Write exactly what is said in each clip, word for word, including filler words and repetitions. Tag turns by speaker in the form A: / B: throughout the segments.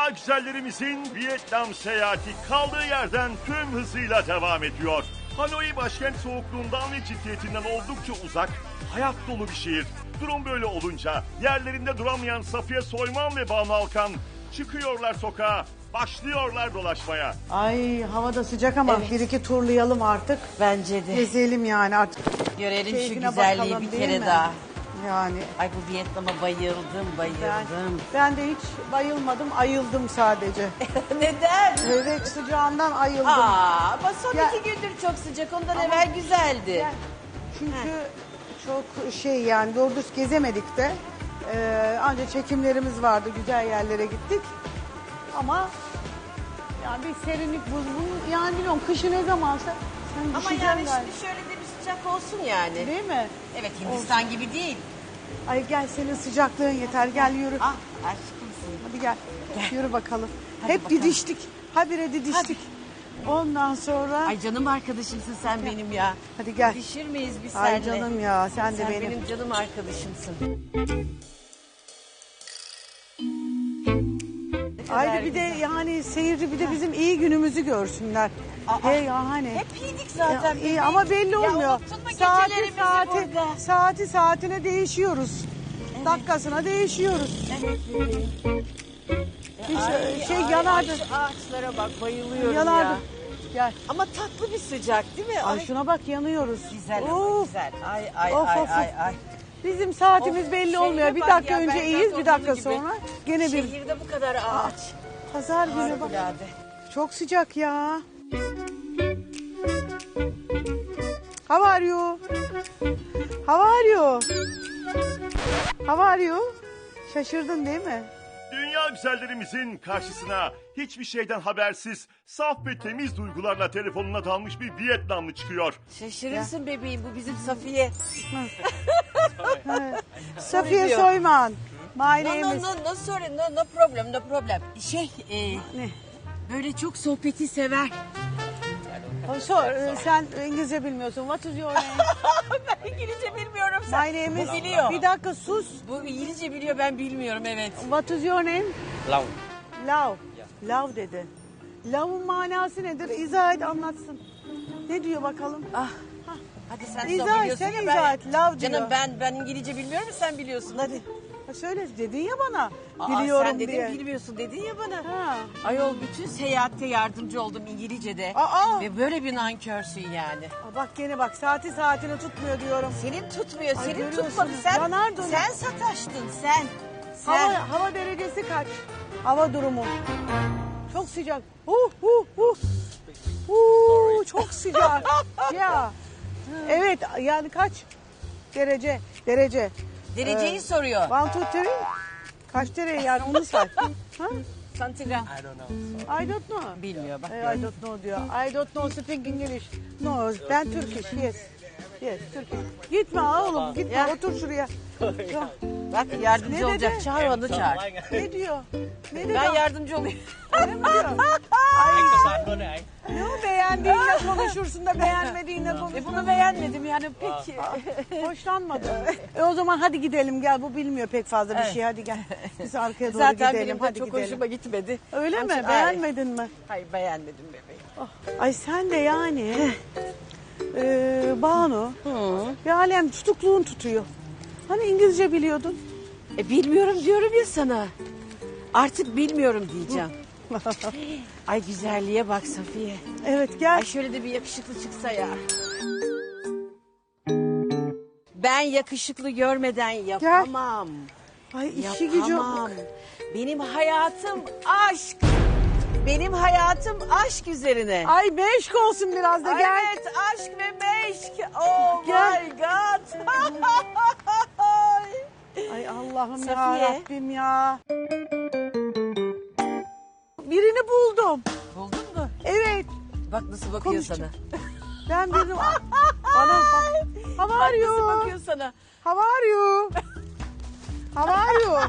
A: Dünya güzellerimizin Vietnam seyahati kaldığı yerden tüm hızıyla devam ediyor. Hanoi başkent soğukluğundan ve ciddiyetinden oldukça uzak, hayat dolu bir şehir. Durum böyle olunca yerlerinde duramayan Safiye Soyman ve Banu Alkan çıkıyorlar sokağa, başlıyorlar dolaşmaya.
B: Ay hava da sıcak ama
C: Evet.
B: bir iki turlayalım artık.
C: Bence de.
B: Gezelim yani artık.
C: Görelim şu
B: Keyfine
C: güzelliği
B: bakalım,
C: bir
B: değil
C: kere
B: mi?
C: daha.
B: Yani
C: Ay bu Vietnam'a bayıldım,
B: ben,
C: bayıldım.
B: ben de hiç bayılmadım, ayıldım sadece.
C: Neden?
B: Evet, sıcağından ayıldım.
C: Aa, ama son
B: Ya-
C: iki gündür çok sıcak. Ondan
B: Ama-
C: evvel güzeldi.
B: Yani çünkü çok şey yani doğru düz gezemedik de. Ee, ancak çekimlerimiz vardı, güzel yerlere gittik. Ama yani bir serinlik buzlu. Yani bilmiyorum kışı ne zamansa sen
C: Ama
B: düşeceksin
C: yani
B: galiba.
C: şimdi şöyle de bir sıcak olsun yani.
B: Değil mi?
C: Evet, Hindistan gibi değil.
B: Ay gel senin sıcaklığın yeter gel yürü.
C: Ah, aşkımsın.
B: Hadi gel.
C: Gel.
B: Yürü bakalım.
C: Hadi
B: Hep
C: bakalım.
B: didiştik. Habire didiştik. Ondan sonra
C: Ay canım arkadaşımsın sen benim ya.
B: hadi gel.
C: Dişir miyiz biz
B: Ay
C: seninle?
B: canım ya sen de
C: Sen
B: benim.
C: benim canım arkadaşımsın.
B: Ayrı bir de yani seyirci bir de bizim iyi günümüzü görsünler.
C: Aa,
B: He yani.
C: Hep iyiydik zaten.
B: Ya, iyi
C: bebeğim.
B: ama belli olmuyor.
C: Ya unuttun mu
B: saati
C: gecelerimizi
B: saati
C: burada?
B: saati saatine değişiyoruz. Dakikasına değişiyoruz.
C: Evet bebeğim.
B: Hiç
C: Ay,
B: şey
C: ay,
B: yanardı.
C: ay, şu ağaçlara bak bayılıyorum
B: Yanardı.
C: ya.
B: Gel.
C: Ama tatlı bir sıcak değil mi?
B: Ay şuna bak yanıyoruz.
C: Güzel ama
B: Of.
C: güzel. Ay ay
B: Of,
C: ay
B: of,
C: ay
B: of.
C: ay.
B: Bizim saatimiz
C: Of,
B: belli
C: şehre
B: olmuyor. Bir
C: bak
B: dakika
C: ya,
B: önce
C: Belgrad
B: iyiyiz, bir dakika
C: olduğu gibi.
B: sonra gene bir
C: Şehirde bu kadar ağaç.
B: pazar günü bak.
C: Harikulade.
B: Çok sıcak ya. How are you? How are you? How are you? Şaşırdın değil mi?
A: Dünya güzellerimizin karşısına hiçbir şeyden habersiz, saf ve temiz duygularla telefonuna dalmış bir Vietnamlı çıkıyor.
C: Şaşırırsın bebeğim, bu bizim Safiye.
B: Safiye
C: diyor.
B: Soyman. My
C: No
B: name
C: no
B: is...
C: no no sorry no no problem no problem. Şey e,
B: Ne?
C: böyle çok sohbeti sever.
B: Oh, so, e, sen İngilizce bilmiyorsun. What is your name?
C: Ben İngilizce bilmiyorum sen.
B: My name is...
C: Bu biliyor.
B: Bir dakika sus.
C: Bu İngilizce biliyor ben bilmiyorum evet.
B: What is your name?
D: Long.
B: Love. Love dedi. Love'un manası nedir? İzah et anlatsın. Ne diyor bakalım?
C: Ah. Hadi sen de
B: İzah et,
C: biliyorsun
B: sen
C: ya
B: izah
C: ben.
B: et, love diyor.
C: Canım ben ben İngilizce bilmiyorum sen biliyorsun hadi.
B: Ha, söyle dedin ya bana.
C: Aa,
B: Biliyorum
C: sen dedin
B: diye.
C: bilmiyorsun dedin ya bana.
B: Ha.
C: Ayol bütün seyahatte yardımcı oldum İngilizce'de.
B: Aa!
C: Ve böyle bir nankörsün yani.
B: Aa, bak gene bak saati saatini tutmuyor diyorum.
C: Senin tutmuyor,
B: Ay,
C: senin
B: görüyorsun.
C: tutmadı. Sen,
B: Yanar döner.
C: sen sataştın sen. Sen.
B: Hava, hava derecesi kaç? Hava durumu. Çok sıcak. Huh huh huh. Huh, çok sıcak. Ya. Evet yani kaç derece? Derece.
C: Dereceyi
B: Ee,
C: soruyor.
B: One, two, three. Kaç derece yani onu say. Ha?
C: Santigram.
D: I don't know.
B: I don't know.
C: Bilmiyor bak.
B: Eh, I don't know diyor. I don't know speak English. No, ben Turkish. Yes. Yes, Turkish. Gitme ha oğlum, gitme.
C: Ya.
B: Otur şuraya. Ya,
C: Bak yardımcı
B: Ne
C: olacak.
B: dedi?
C: Çağır onu çağır.
B: ne diyor? Ne dedi?
C: Ben yardımcı olayım.
B: Ne mi diyor? Ay,
D: Các bạn luôn này anh.
B: ne o beğendiğinle konuşursun da beğenmediğinle
C: E
B: konuşursun.
C: bunu beğenmedim yani pek.
B: Hoşlanmadım. E o zaman hadi gidelim gel. Bu bilmiyor pek fazla bir
C: Evet.
B: şey. Hadi gel. Biz arkaya doğru
C: Zaten
B: gidelim.
C: benim de
B: Hadi
C: çok
B: gidelim.
C: hoşuma gitmedi.
B: Öyle
C: Onun
B: mi?
C: için-
B: Beğenmedin mi?
C: Hayır beğenmedim bebeğim.
B: Ay sen de yani. e, Banu.
C: Hı.
B: Bir alem tutukluğun tutuyor. Hani İngilizce biliyordun?
C: E bilmiyorum diyorum ya sana. Artık bilmiyorum diyeceğim. Ay güzelliğe bak Safiye.
B: Evet gel.
C: Ay şöyle de bir yakışıklı çıksa ya. Ben yakışıklı görmeden yapamam.
B: Ay işi gücü.
C: Yapamam. Benim hayatım aşk. Benim hayatım aşk üzerine.
B: Ay meşk olsun biraz da
C: Ay,
B: gel.
C: Evet aşk ve meşk. Oh
B: Gel.
C: my god.
B: Ay Allah'ım
C: Safiye.
B: ya Rabbim ya. Birini buldum.
C: Buldun mu?
B: Evet.
C: Bak nasıl bakıyor
B: Konuşacak.
C: sana.
B: Ben birini... Bana bak. How
C: Bak
B: are
C: nasıl
B: you?
C: bakıyor sana.
B: How are you? How are you?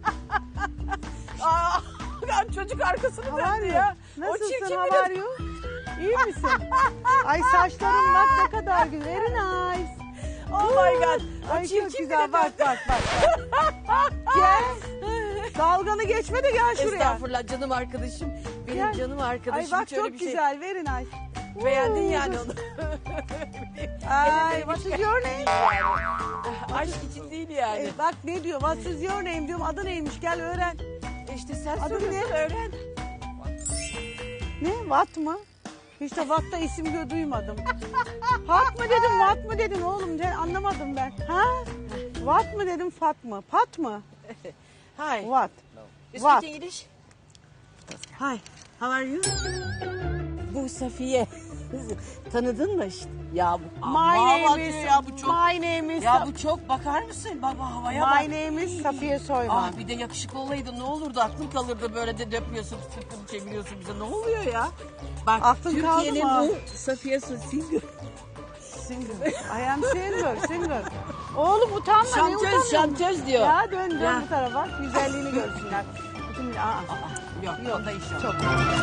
C: Aa, ben çocuk arkasını
B: How are
C: döndü
B: you?
C: ya. O
B: Nasılsın?
C: çirkin
B: How
C: bir
B: are you? İyi misin? Ay saçların bak ne kadar güzel. Very nice.
C: Oh my god. O
B: Ay çok
C: çirkin
B: güzel.
C: biri
B: Bak
C: döndü.
B: bak bak. bak. Gel. Dalganı geçme de gel şuraya.
C: Estağfurullah canım arkadaşım. Benim
B: Gel.
C: canım arkadaşım.
B: Ay bak
C: Hiç öyle
B: çok
C: bir şey-
B: güzel, very nice.
C: Beğendin
B: Oo,
C: yani
B: dur.
C: onu.
B: Ay, what is your name?
C: Aşk için değil yani.
B: E, bak ne diyor, what is your name diyorum, adı neymiş, gel öğren.
C: İşte sen
B: Adı
C: soruyorsun,
B: ne?
C: öğren.
B: Ne, what mı? Hiç de what'ta isim gö- duymadım. Pat mı dedim, what mı dedin oğlum, ben anlamadım ben. Ha? What mı dedim, fat mı? Pat mı?
C: Hi.
B: What?
C: You
B: What?
C: speak English?
B: Hi, how are you?
C: Bu Safiye. Tanıdın mı işte? Ya bu
B: My
C: Aman
B: name
C: diyor
B: is,
C: ya bu çok.
B: my name is,
C: Ya bu çok bakar mısın? Baba havaya bak.
B: my name is Safiye Soyman.
C: Ah bir de yakışıklı olaydı ne olurdu aklın kalırdı böyle de döpüyorsun sırtını çeviriyorsun bize ne oluyor ya? Bak
B: Aklın kaldı
C: Türkiye'nin
B: mı?
C: bu Safiye Singer.
B: Single. I am single, single. Oğlum utanma, ne
C: Şantöz
B: utanıyorsun?
C: şantöz diyor.
B: Ya dön dön
C: Ya.
B: bu tarafa, güzelliğini görsünler. Bütün, aa,
C: Yok
B: yok,
C: onda iş yok.
B: çok.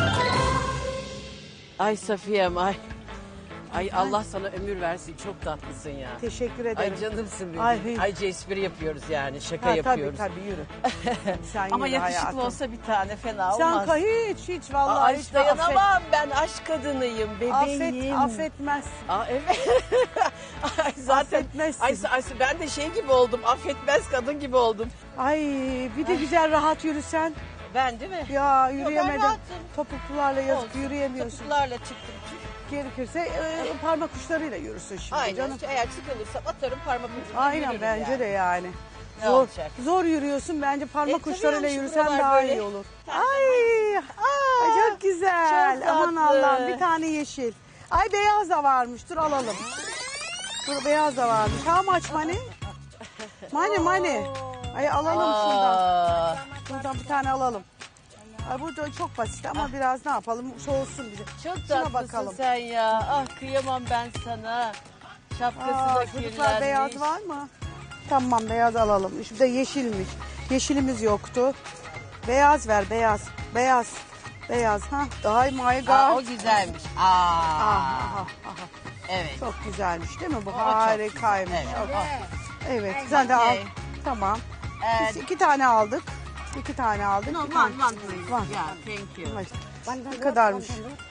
C: Ay Safiye'm ay. Ay Allah sana ömür versin çok tatlısın ya.
B: Teşekkür ederim.
C: Ay canımsın benim.
B: Ay,
C: Ay,
B: hiç.
C: espri yapıyoruz yani şaka
B: Ha,
C: yapıyoruz.
B: Tabii tabii yürü. Sen
C: Ama
B: yürü
C: yakışıklı
B: hayatım.
C: olsa bir tane fena
B: Sen
C: olmaz.
B: ka hiç hiç vallahi
C: Aa,
B: hiç
C: hiç dayanamam ben aşk kadınıyım
B: Affet,
C: bebeğim.
B: affetmez.
C: Aa, evet. Ay, zaten
B: Affetmezsin.
C: ay, ay, ben de şey gibi oldum. Affetmez kadın gibi oldum.
B: Ay bir de güzel rahat yürüsen.
C: Ben değil mi?
B: Ya
C: ben
B: yürüyemedim.
C: rahatım.
B: Topuklularla yazık
C: Olsun.
B: yürüyemiyorsun.
C: Topuklarla çıktım.
B: Gerekirse e, parmak uçlarıyla yürüsün şimdi
C: Aynen.
B: canım.
C: Eğer sıkılırsam atarım parmak ucunu.
B: Aynen
C: yürürüm
B: bence
C: yani.
B: de yani.
C: Ne
B: Zor,
C: olacak?
B: zor yürüyorsun bence parmak
C: E, tabii
B: uçlarıyla
C: yani şu
B: yürüsen
C: buralar
B: daha
C: böyle.
B: iyi olur.
C: Sen
B: Ay, ay çok güzel.
C: çok
B: Aman
C: tatlı.
B: Allah'ım bir tane yeşil. Ay beyaz da varmış dur alalım. Dur beyaz da varmış. How much money? Money money. Ay alalım şuradan.
C: Aa,
B: Şuradan bir tane alalım. Ay bu da çok basit ama biraz ne yapalım soğusun bize.
C: çok
B: Şuna
C: tatlısın
B: bakalım.
C: sen ya. Ah kıyamam ben sana. Şapkası
B: Aa,
C: da
B: çocuklar
C: kirlenmiş.
B: beyaz var mı? Tamam beyaz alalım. Şurada yeşilmiş. Yeşilimiz yoktu. Beyaz ver beyaz. Beyaz. Beyaz ha. Ay my god.
C: Aa, o güzelmiş. Aa,
B: Aha, aha, aha.
C: evet.
B: Çok güzelmiş değil mi bu?
C: O çok
B: Harikaymış.
C: güzel, evet.
B: Çok- Evet sen de al.
C: Okey.
B: Tamam.
C: Ee,
B: Biz iki tane aldık. İki tane aldık.
C: No,
B: Bir
C: one,
B: tane-
C: one please.
B: Var.
C: Yeah, thank you.
B: Ay, Ne kadarmış?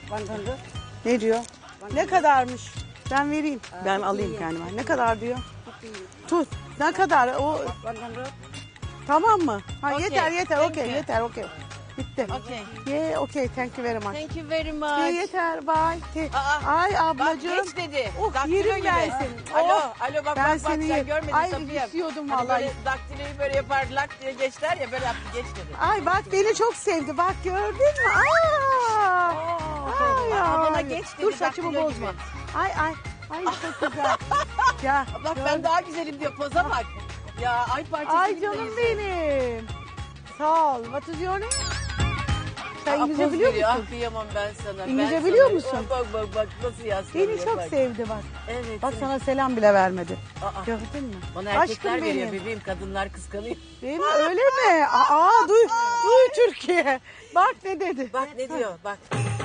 B: Ne diyor? Ne kadarmış? Ben vereyim. Ben alayım kendime. Ne kadar diyor? Tut. Ne kadar? O tamam mı? Ha
C: Okay,
B: yeter yeter.
C: thank
B: Okey
C: you.
B: yeter. Okey. Bitti.
C: Okay.
B: Yeah, okay. Thank you very much.
C: Thank you very
B: Yeah,
C: much.
B: yeter. Bye. Te-
C: Aa,
B: Ay
C: Bak
B: ablacığım.
C: geç dedi.
B: Oh,
C: Daktilo
B: yerim
C: gibi.
B: ben seni.
C: Alo,
B: Oh,
C: alo bak
B: ben
C: bak bak
B: seni
C: sen
B: yerim.
C: görmedin
B: Ay,
C: Safiye.
B: istiyordum
C: Hani
B: vallahi.
C: böyle daktiloyu böyle yapar lak diye geçler ya böyle yaptı geç dedi.
B: Ay bak beni çok sevdi. Bak gördün mü? Aa! Ay,
C: Aa, bana
B: ay.
C: geç dedi,
B: Dur saçımı
C: daktilo
B: bozma.
C: gibi.
B: Ay ay. Ay çok güzel. Ya,
C: Bak
B: gördün.
C: ben daha güzelim diyor poza bak. Ya ay parçası
B: Ay
C: gibi
B: canım
C: değilsin.
B: benim. Sağ ol. What is your name? Sen
C: Aa,
B: İngilizce
C: poz
B: biliyor
C: veriyor.
B: musun?
C: Ah kıyamam ben sana.
B: İngilizce
C: ben
B: biliyor
C: sana-
B: musun?
C: Bak bak bak nasıl yaslanıyor.
B: Beni çok
C: bak.
B: sevdi bak.
C: Evet.
B: Bak
C: seni-
B: sana selam bile vermedi.
C: Aa,
B: Gördün mü?
C: bana erkekler
B: Aşkım
C: veriyor
B: benim.
C: bebeğim kadınlar kıskanıyor.
B: Değil mi? Öyle mi? Aa duy, duy Türkiye. Bak ne dedi.
C: Bak ne diyor bak.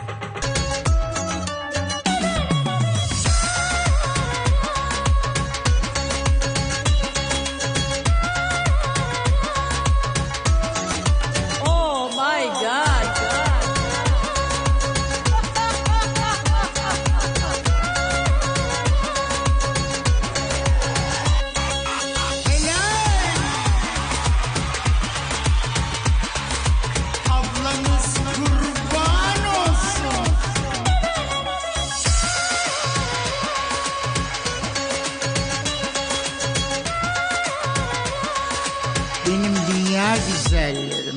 C: Oh my God.
D: Ablanız kurban olsun. Benim dünya güzelleri.